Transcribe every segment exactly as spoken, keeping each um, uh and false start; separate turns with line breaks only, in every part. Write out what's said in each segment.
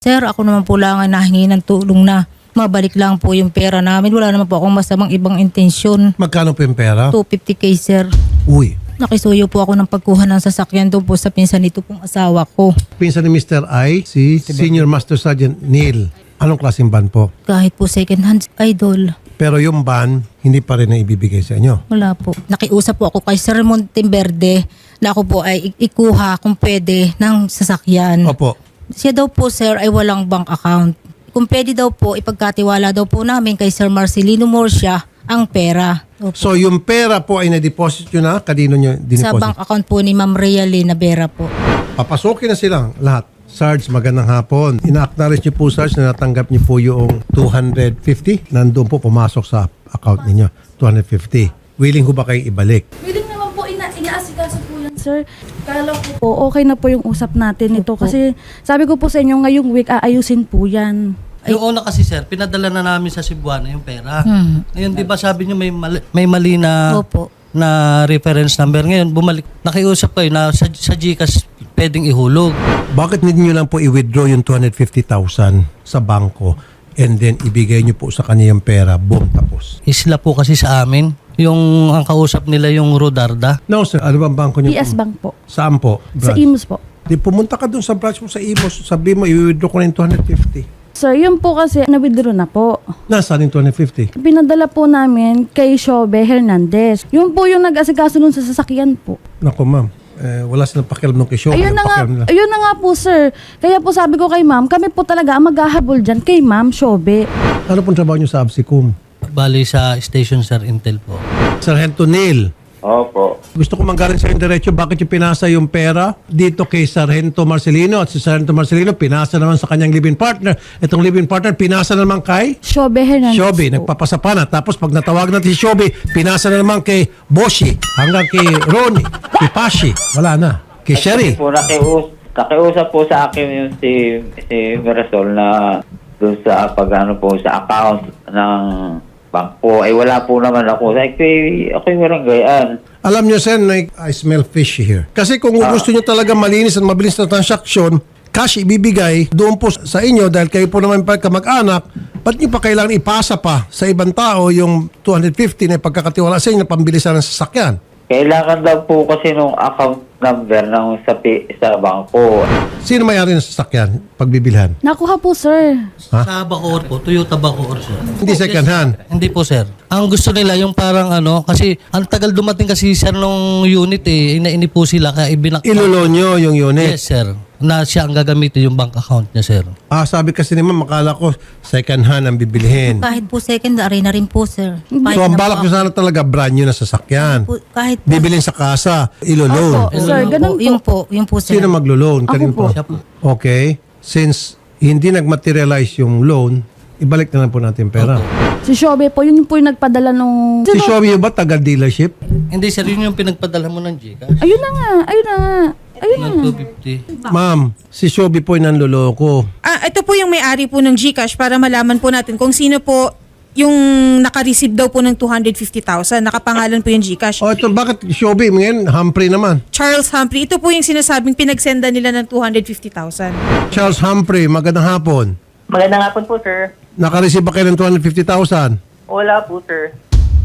Sir, ako naman po lang ang nahingi ng tulong na mabalik lang po yung pera namin. Wala naman po akong masamang ibang intensyon.
Magkano po yung pera?
two fifty K, sir.
Uy.
Nakisuyo po ako ng pagkuha ng sasakyan doon po sa pinsan nito pong asawa ko.
Pinsan ni Mister I, si Senior Master Sergeant Neil. Anong klaseng ban po?
Kahit po second hand, idol.
Pero yung ban, hindi pa rin na ibibigay sa inyo.
Wala po. Nakiusap po ako kay Sir Monteverde na ako po ay ikuha kung pwede ng sasakyan.
Opo.
Siya daw po, sir, ay walang bank account. Kung pwede daw po, ipagkatiwala daw po namin kay Sir Marcelino Murcia ang pera. Opo.
So yung pera po ay na-deposit nyo na? Kanino nyo
Sa bank
dineposit?
account po ni Ma'am Realina Vera po.
Papasukin na silang lahat. Sarge, magandang hapon. Ina-acknowledge niyo po, Sarge, na natanggap niyo po yung two hundred fifty. Nandun po pumasok sa account ninyo. two hundred fifty. Willing ho ba kayong ibalik?
Willing naman po, ina inaasikaso po yan, sir. Kala ko po, okay na po yung usap natin ito. Kasi sabi ko po sa inyo, ngayong week, aayusin po yan.
Yung una kasi sir, pinadala na namin sa Cebuana yung pera.
Hmm.
Ngayon, di ba sabi niyo may mali, may mali na
Opo.
na reference number. Ngayon, bumalik. Nakiusap kayo na sa, sa GCash pwedeng ihulog.
Bakit hindi nyo lang po i-withdraw yung two hundred fifty thousand sa bangko and then ibigay nyo po sa kanya yung pera? Boom, tapos.
Isla po kasi sa amin. Yung ang kausap nila yung Rodarda.
No, sir. Ano bang bangko nyo?
P S Bank po.
Saan po?
Sa
Branch?
Imus po.
Di pumunta ka dun sa branch mo sa Imos. Sabi mo, i-withdraw ko na yung two hundred fifty.
Sir, yun po kasi, na-withdraw na po.
Nasaan yung two hundred fifty?
Pinadala po namin kay Shobe Hernandez. Yun po yung nag-asikaso nun sa sasakyan po.
Naku, ma'am. Eh, wala silang pakialam ng kisyo.
Ayun na nga, ayun na nga po, sir. Kaya po sabi ko kay ma'am, kami po talaga ang maghahabol dyan kay ma'am Shobe.
Ano pong trabaho nyo sa Absicum?
Bali sa station sir, Intel po.
Sargento Neil,
Opo.
gusto ko manggaling sa yung diretso, bakit yung pinasa yung pera dito kay Sargento Marcelino at si Sargento Marcelino pinasa naman sa kanyang live-in partner. Itong live-in partner pinasa naman kay
Shobe Hernandez
Shobi,
po.
nagpapasapana. Tapos pag natawag natin si Shobi, pinasa na naman kay Boshi, hanggang kay Ronnie, kay Pashi. Wala na. Kay Sherry.
Po, nakius nakiusap po sa akin yung si, si Mirasol na doon sa pag ano po sa account ng bangko. Ay wala po naman ako. Ay, ako'y, ako'y walang gayaan.
Alam nyo, Sen, like, I smell fishy here. Kasi kung gusto nyo talaga malinis at mabilis na transaksyon, cash ibibigay doon po sa inyo dahil kayo po naman pa kamag-anak, ba't nyo pa kailangan ipasa pa sa ibang tao yung two hundred fifty na pagkakatiwala sa inyo na pambilisan ng sasakyan?
Kailangan daw po kasi nung account number ng sa, pi- sa bangko.
Sino may-ari ng sasakyan pagbibilhan?
Nakuha po, sir.
Ha?
Sa Bacoor po, Toyota Bacoor sir.
Hindi second hand.
Hindi po sir. Ang gusto nila yung parang ano, kasi ang tagal dumating kasi sir nung unit eh, inaini po sila kaya ibinak.
Ilulo nyo yung unit.
Yes sir. Na siya ang gagamitin yung bank account niya sir.
Ah, sabi kasi naman, makala ko second hand ang bibilhin.
Kahit po second, ari na rin po, sir. Kahit
So, ang
na
balak
po
nyo sana talaga brand new na sasakyan.
po- Kahit po.
Bibilhin sa kasa, ilo-loan.
Opo, sir,
Yun
ganun
po,
po.
Yung po, yung po, sir.
Sino maglo-loan?
Ako
Kanino
po.
Siya po.
Okay. Since hindi nagmaterialize yung loan, ibalik na lang po natin yung pera.
Si Shobe po, yun po yung nagpadala nung...
Si Shobi ba taga dealership?
Hindi sir, yun yung pinagpadala mo ng GCash.
Ayun na nga, ayun na nga. Ayun na
Ng
nga.
two fifty.
Ma'am, si Shobi po yung nanloloko.
Ah, ito po yung may-ari po ng GCash para malaman po natin kung sino po yung naka-receive daw po ng two hundred fifty thousand. Nakapangalan po yung GCash.
O ito, bakit Shobi? Ngayon, Humphrey naman.
Charles Humphrey. Ito po yung sinasabing pinagsenda nila ng two hundred fifty thousand.
Charles Humphrey, magandang hapon.
Magandang hapon po, sir.
Nakareceive ba kayo ng two hundred fifty thousand?
Wala po, sir.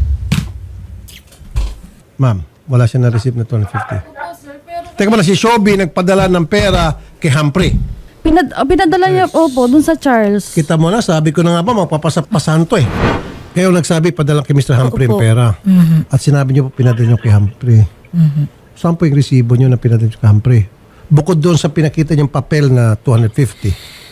Ma'am, wala siya na-receive na two hundred fifty. Teka muna, si Shobi nagpadala ng pera kay Humphrey.
Pinad, oh, pinadala niya, opo, dun sa Charles.
Kita mo na, sabi ko na nga ba, magpapasapasan to eh. Kayo nagsabi, padala kay Mister Humphrey ang
Opo.
pera. At sinabi niyo po, pinadala niyo kay Humphrey. Saan po yung resibo niyo na pinadala niyo kay Humphrey? Bukod doon sa pinakita niyong papel na two hundred fifty.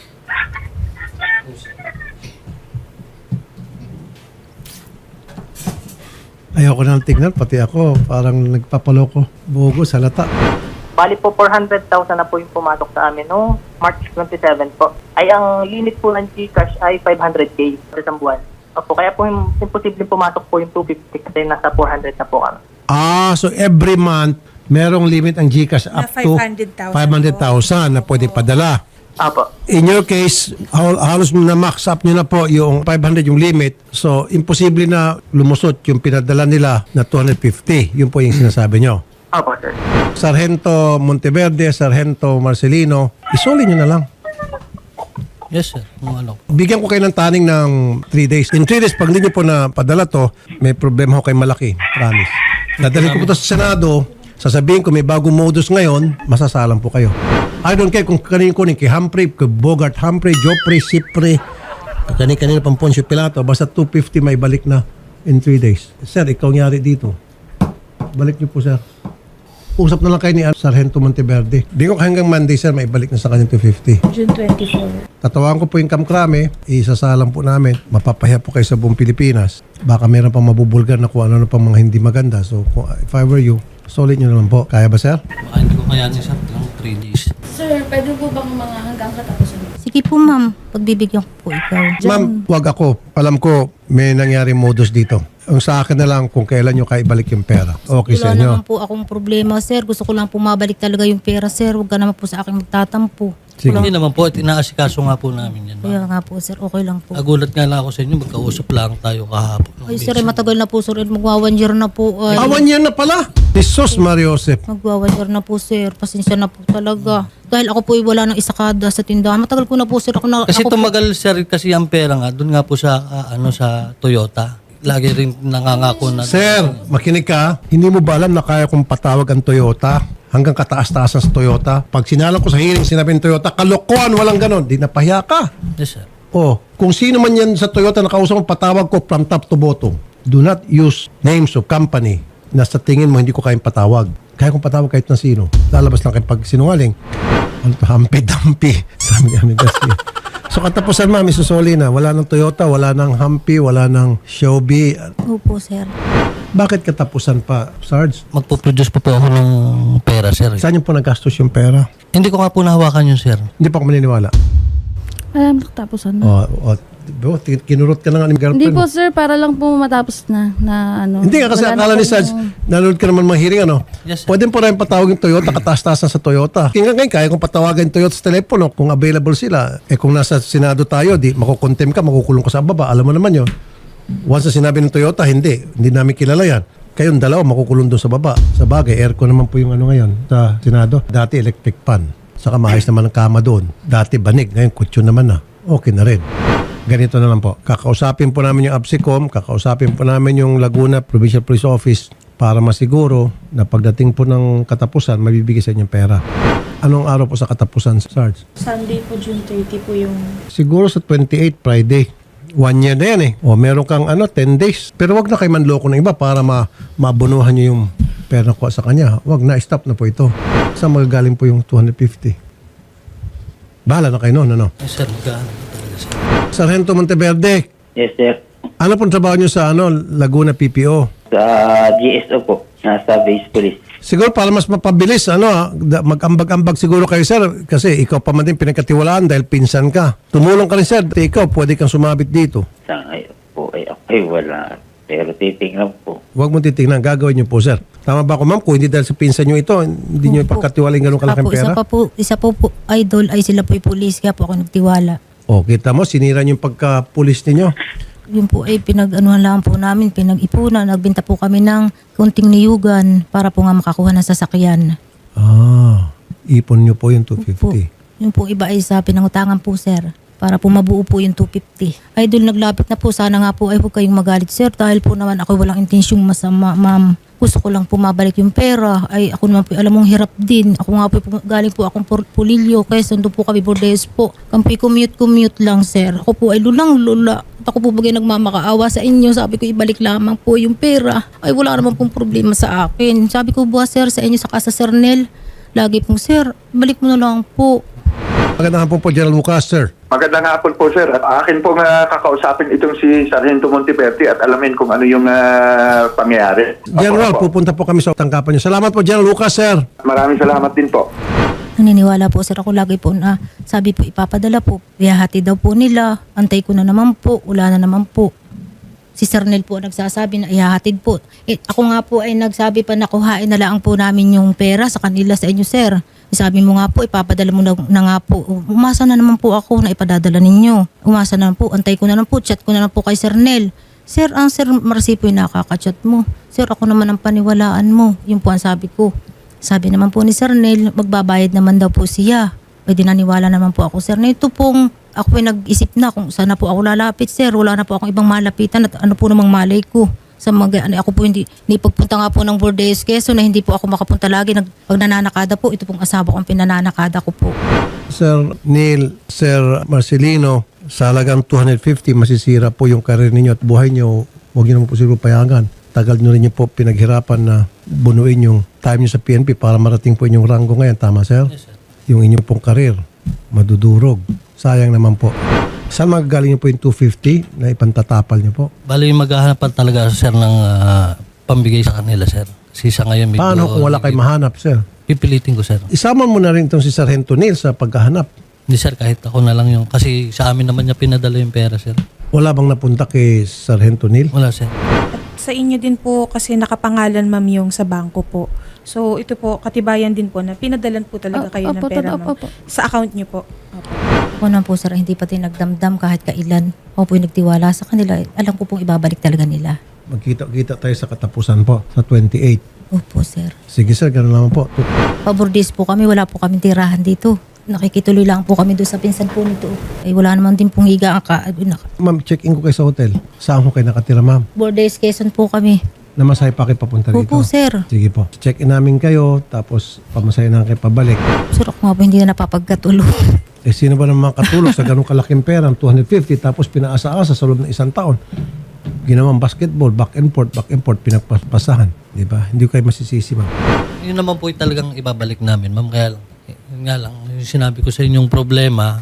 Ayoko na tignan, pati ako, parang nagpapaloko. Bugo, salata.
Bali po, four hundred thousand na po yung pumatok sa amin no March twenty-seven po. Ay, ang limit po ng GCash ay five hundred K sa isang buwan. Opo, kaya po yung imposible pumatok po yung two fifty kasi nasa four hundred na po kami.
Ah, so every month, merong limit ang GCash
Na
up to
five hundred thousand
five hundred thousand na pwede padala.
Opo.
In your case, hal- halos na max up nyo na po yung five hundred yung limit. So, imposible na lumusot yung pinadala nila na two hundred fifty. Yun po yung sinasabi nyo.
Opo, sir.
Sargento Monteverde, Sargento Marcelino, isuli nyo na lang.
Yes, sir. Yung ano.
Bigyan ko kayo ng taning ng three days. In three days, pag hindi nyo po na padala to, may problema ko kay malaki. Promise. Dadalhin ko po to sa Senado, sasabihin ko may bagong modus ngayon, masasalang po kayo. I don't care kung kanino kunin, kay Humphrey, kay Bogart Humphrey, Joffrey, Sipre, kanina-kanina pang Poncio Pilato, basta two fifty may balik na in three days. Sir, ikaw nyari dito. Balik niyo po, sir. Usap na lang kayo ni Sargento Monteverde. Di ko hanggang Monday, sir, may balik na sa kanya two fifty.
June twenty-four.
Tatawagan ko po yung kamkrame, isasalang po namin, mapapahiya po kayo sa buong Pilipinas. Baka meron pang mabubulgar na kung ano-ano pang mga hindi maganda. So, kung- if I were you, solid nyo naman po. Kaya ba, sir?
Baka hindi ko kayanin, sir. Lang three days.
Sir, pwede po bang mga hanggang katapusan?
Sige po ma'am, pagbibigyan ko po ikaw.
Ma'am, wag ako. Alam ko, may nangyari modus dito. Ang sa akin na lang kung kailan nyo kayo ibalik yung pera. Okay sa
Wala
inyo.
naman po akong problema, sir. Gusto ko lang po mabalik talaga yung pera, sir. Huwag ka naman po sa akin magtatampo.
Sige.
Hindi naman po. At inaasikaso nga po namin yan.
Kaya nga po, sir. Okay lang po.
Nagulat nga lang ako sa inyo. Magkausap lang tayo kahapon.
Ay, sir, ay matagal na po, sir. Magwa one year na po. Ay,
Awan yan na pala. Jesus Mario Joseph.
magwa one year na po, sir. Pasensya na po talaga. Dahil ako po ay wala ng isakada sa tindahan. Matagal ko na po, sir. Ako na,
Kasi
ako po-
tumagal, sir, kasi ang pera nga. Doon nga po sa, ah, ano, sa Toyota. Lagi rin nangangako na.
Sir, makinig ka. Hindi mo ba alam na kaya kong patawag ang Toyota? Hanggang kataas-taasan sa Toyota. Pag sinalang ko sa hearing, sinabi ng Toyota, kalokohan, walang ganon. Di napahiya ka.
Yes, sir.
Oh, kung sino man yan sa Toyota na kausap mo, patawag ko from top to bottom. Do not use names of company na sa tingin mo hindi ko kayang patawag. Kaya kong patawag kahit na sino. Lalabas lang kayo pag sinungaling. Ano to, hampi-dampi. Sabi ni Amin Garcia. So katapusan, ma'am, isusuli na. Wala ng Toyota, wala ng Humpi, wala ng Xiaomi.
Opo, sir.
Bakit katapusan pa, Sarge?
Magpo-produce po po ako ng pera, sir.
Saan yung po nagastos yung pera?
Hindi ko nga po nahawakan yun, sir.
Hindi pa ako maniniwala.
Alam, katapusan na.
O, o, o, kinurot ka na nga ni girlfriend
Hindi
mo.
po sir, para lang po matapos na, na ano.
Hindi nga kasi
Wala na
akala ni
pong-
Sarge, nanonood ka naman mga hearing, ano?
Yes, sir.
Pwede po rin patawag yung Toyota, kataas-taasan sa Toyota. Kaya ngayon, kaya kung patawagan yung Toyota sa telepono, kung available sila, eh kung nasa Senado tayo, di makukontem ka, makukulong ka sa baba. Alam mo naman yun. Once na sinabi ng Toyota, hindi. Hindi namin kilala yan. Kayong dalawa, makukulong doon sa baba. Sa bagay, aircon naman po yung ano ngayon sa Senado. Dati electric fan. Saka maayos naman ang kama doon. Dati banig, ngayon kutsyon naman na. Okay na rin. Ganito na lang po. Kakausapin po namin yung ABSICOM, kakausapin po namin yung Laguna Provincial Police Office para masiguro na pagdating po ng katapusan, mabibigay sa inyong pera. Anong araw po sa katapusan, Sarge?
Sunday po, June thirty po yung...
Siguro sa twenty-eight, Friday. One year na yan eh. O meron kang ano, ten days. Pero wag na kayo manloko ng iba para ma mabunuhan nyo yung pera ko sa kanya. Wag na, stop na po ito. Saan magagaling po yung two hundred fifty? Bahala na kayo noon, ano?
Yes, sir. Magkano talaga, sir.
Sargento Monteverde,
Yes, sir.
ano pong trabaho nyo sa ano, Laguna P P O?
Sa G S O po, nasa base police.
Siguro para mas mapabilis, ano, ah, da- mag-ambag-ambag siguro kayo, sir. Kasi ikaw pa man din pinagkatiwalaan dahil pinsan ka. Tumulong ka rin, sir. Ikaw, pwede kang sumabit dito.
Sa ngayon po ay okay, wala. Pero titingnan po.
Huwag mo titignan. Gagawin niyo po, sir. Tama ba ako, ma'am? Kung hindi dahil sa pinsan niyo ito, hindi niyo
Opo.
ipagkatiwaling ganun kalaking
Apo, isa
pera?
pa po, isa po po, idol, ay sila po yung police. Kaya po ako nagtiwala.
O, kita mo, sinira niyo yung pagka-pulis ninyo.
Yun po ay pinag-anuhan lang po namin, pinag-ipunan. Nagbenta po kami ng kunting niyugan para po nga makakuha ng sasakyan.
Ah, ipon niyo po yung two
Po,
fifty.
yun po iba ay sa pinangutangan po, sir. Para po mabuo po yung two fifty. Idol, naglapit na po. Sana nga po ay huwag kayong magalit, sir. Dahil po naman ako walang intensyong masama, ma'am. Gusto ko lang po mabalik yung pera. Ay ako naman po, alam mong hirap din. Ako nga po, galing po akong Pur- Pulilio. Kaya sando po kami, Bordes po. Kampi commute-commute lang, sir. Ako po ay lulang lula. At ako po bagay nagmamakaawa sa inyo. Sabi ko, ibalik lamang po yung pera. Ay wala naman pong problema sa akin. Sabi ko, buwa, sir, sa inyo, saka sa Sir Nel. Lagi pong, sir, balik mo na lang po.
Magandang hapon po, General Lucas, sir.
Magandang hapon po, sir. At akin pong uh, kakausapin itong si Sargento Monteverde at alamin kung ano yung uh, pangyayari.
General,
Opo, opo.
pupunta po kami sa tangkapan niyo. Salamat po, General Lucas, sir.
Maraming salamat din po.
Naniniwala po, sir, ako lagi po na sabi po ipapadala po. Ihahati daw po nila. Antay ko na naman po. Wala na naman po. Si Sir Nel po ang nagsasabi na ihahatid po. Eh, ako nga po ay nagsabi pa na kuhain na lang po namin yung pera sa kanila sa inyo, sir. Sabi mo nga po, ipapadala mo na, na nga po. Umasa na naman po ako na ipadadala ninyo. Umasa na naman po. Antay ko na naman po. Chat ko na lang po kay Sir Nel. Sir, ang Sir Marcy po yung nakaka-chat mo. Sir, ako naman ang paniwalaan mo. Yun po ang sabi ko. Sabi naman po ni Sir Nel, magbabayad naman daw po siya. Pwede naniwala naman po ako, sir, na ito pong ako po nag-isip na kung saan na po ako lalapit, sir. Wala na po akong ibang malapitan at ano po namang malay ko. Sa mga, ano, ako po hindi, hindi pagpunta nga po ng Bordes Quezon na hindi po ako makapunta lagi. Nag, pag nananakada po, ito pong asawa ko ang pinananakada ko po.
Sir Neil, Sir Marcelino, sa halagang two hundred fifty, masisira po yung karir ninyo at buhay nyo. Huwag nyo naman po siguro payagan. Tagal nyo rin nyo po pinaghirapan na bunuin yung time nyo sa P N P para marating po inyong ranggo ngayon. Tama, sir?
Yes, sir.
Yung inyong pong karir, madudurog. Sayang naman po. Saan magagaling nyo po yung two fifty na ipantatapal nyo po?
Bali, maghahanapan talaga sir ng ah, pambigay sa kanila sir. Kasi sa ngayon medyo...
Paano kung wala kayo mahanap, sir?
Pipilitin ko sir.
Isama mo na rin itong si Sargento Neil sa paghahanap.
Hindi sir, kahit ako na lang yung... Kasi sa amin naman niya pinadala yung pera sir.
Wala bang napunta kay Sargento Neil?
Wala sir.
Sa inyo din po kasi nakapangalan ma'am yung sa bangko po. So ito po, katibayan din po na pinadalan po talaga kayo ng
Opo,
pera
opo,
ma'am.
opo.
Sa account niyo po. Opo.
Ako naman po, sir, hindi pati nagdamdam kahit kailan. Ako po yung nagtiwala sa kanila. Alam ko pong ibabalik talaga nila.
Magkita-kita tayo sa katapusan po, sa twenty-eight.
Opo, sir.
Sige sir, gano'n naman po.
Pabordis po kami, wala po kaming tirahan dito. Nakikituloy lang po kami doon sa pinsan po nito. Ay wala naman din pong higa ang ka...
Ma'am, check-in ko kayo sa hotel. Saan ko kayo nakatira, ma'am?
Bordes Quezon po kami.
Namasahe pa kayo papunta dito?
Opo, sir.
Sige po. Check-in namin kayo, tapos pamasahe na kayo pabalik.
Sir, ako nga po hindi na napapagkatulog.
Eh, sino ba naman katulog sa ganung kalaking pera, two hundred fifty, tapos pinaasa-asa sa loob ng isang taon? Ginawang basketball, back and forth, back and forth, pinagpasahan. Di ba? Hindi ko kayo masisisi, ma'am.
Yun naman po yung talagang ibabalik namin ma'am. Kaya lang, yun nga lang, yung sinabi ko sa inyong problema,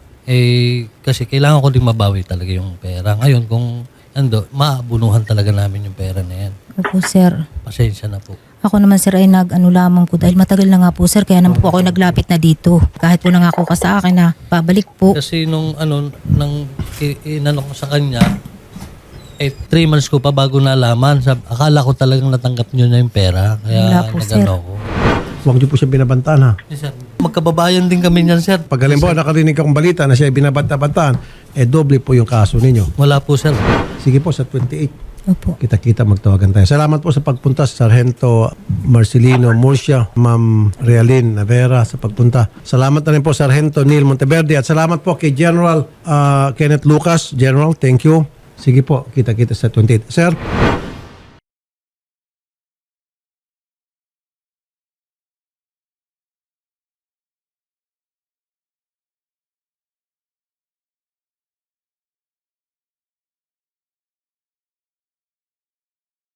eh, kasi kailangan ko din mabawi talaga yung pera. Ngayon, kung ando, maabunuhan talaga namin yung pera na yan.
Opo, sir.
Pasensya na po.
Ako naman, sir, ay nag-ano lamang po dahil matagal na nga po, sir. Kaya naman po ako naglapit na dito. Kahit po nangako ka sa akin na babalik po.
Kasi nung ano, nang i- inano ko sa kanya, eh, three months ko pa bago nalaman. Sab- akala ko talagang natanggap niyo na yung pera. Kaya
Wala po, sir.
nagano ko.
Huwag niyo po siya binabantaan, ha?
Yes, sir. Magkababayan din kami niyan, sir.
Pag halimbawa nakarinig akong balita na siya ay binabanta-bantaan, eh doble po yung kaso ninyo.
Wala po, sir.
Sige po, sa twenty-eight.
Opo.
Kita-kita magtawagan tayo. Salamat po sa pagpunta sa Sargento Marcelino Murcia, Ma'am Realin Navera sa pagpunta. Salamat na rin po Sargento Neil Monteverde at salamat po kay General uh, Kenneth Lucas. General, thank you. Sige po, kita-kita sa twenty-eight. Sir,